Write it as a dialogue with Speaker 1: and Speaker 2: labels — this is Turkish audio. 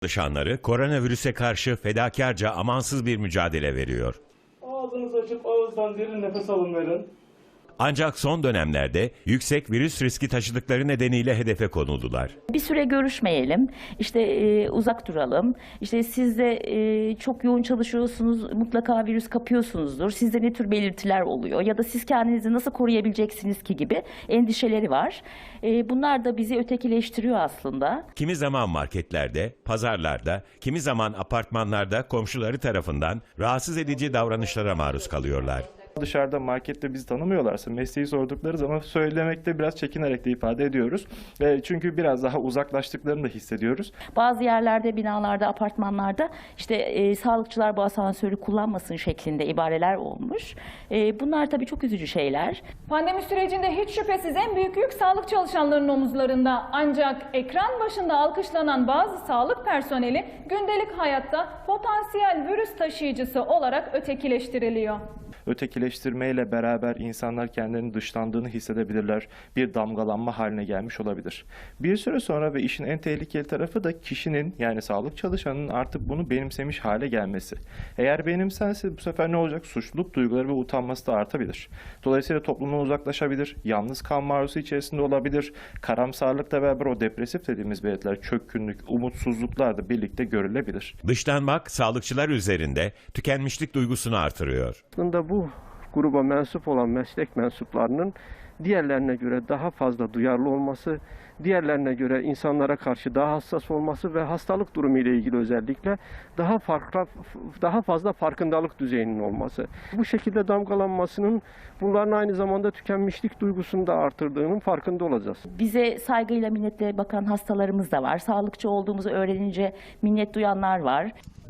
Speaker 1: Çalışanları koronavirüse karşı fedakarca amansız bir mücadele veriyor.
Speaker 2: Ağzınızı açıp ağızdan derin nefes alın verin.
Speaker 1: Ancak son dönemlerde yüksek virüs riski taşıdıkları nedeniyle hedefe konuldular.
Speaker 3: Bir süre görüşmeyelim, uzak duralım, siz de çok yoğun çalışıyorsunuz, mutlaka virüs kapıyorsunuzdur, sizde ne tür belirtiler oluyor ya da siz kendinizi nasıl koruyabileceksiniz ki gibi endişeleri var. Bunlar da bizi ötekileştiriyor aslında.
Speaker 1: Kimi zaman marketlerde, pazarlarda, kimi zaman apartmanlarda komşuları tarafından rahatsız edici davranışlara maruz kalıyorlar.
Speaker 2: Dışarıda markette bizi tanımıyorlarsa mesleği sordukları zaman söylemekte biraz çekinerek de ifade ediyoruz. Çünkü biraz daha uzaklaştıklarını da hissediyoruz.
Speaker 3: Bazı yerlerde, binalarda, apartmanlarda sağlıkçılar bu asansörü kullanmasın şeklinde ibareler olmuş. Bunlar tabii çok üzücü şeyler.
Speaker 4: Pandemi sürecinde hiç şüphesiz en büyük yük sağlık çalışanlarının omuzlarında. Ancak ekran başında alkışlanan bazı sağlık personeli gündelik hayatta potansiyel virüs taşıyıcısı olarak ötekileştiriliyor.
Speaker 2: Ötekileştirmeyle beraber insanlar kendilerinin dışlandığını hissedebilirler. Bir damgalanma haline gelmiş olabilir. Bir süre sonra ve işin en tehlikeli tarafı da kişinin, yani sağlık çalışanının artık bunu benimsemiş hale gelmesi. Eğer benimsense bu sefer ne olacak? Suçluluk duyguları ve utanması da artabilir. Dolayısıyla toplumdan uzaklaşabilir, yalnız kalma arzusu içerisinde olabilir. Karamsarlıkla beraber o depresif dediğimiz belirtiler, çökkünlük, umutsuzluklar da birlikte görülebilir.
Speaker 1: Dışlanmak sağlıkçılar üzerinde tükenmişlik duygusunu artırıyor.
Speaker 5: Aslında bu gruba mensup olan meslek mensuplarının diğerlerine göre daha fazla duyarlı olması, diğerlerine göre insanlara karşı daha hassas olması ve hastalık durumu ile ilgili özellikle daha fazla farkındalık düzeyinin olması. Bu şekilde damgalanmasının bunların aynı zamanda tükenmişlik duygusunu da artırdığının farkında olacağız.
Speaker 3: Bize saygıyla, minnetle bakan hastalarımız da var. Sağlıkçı olduğumuzu öğrenince minnet duyanlar var.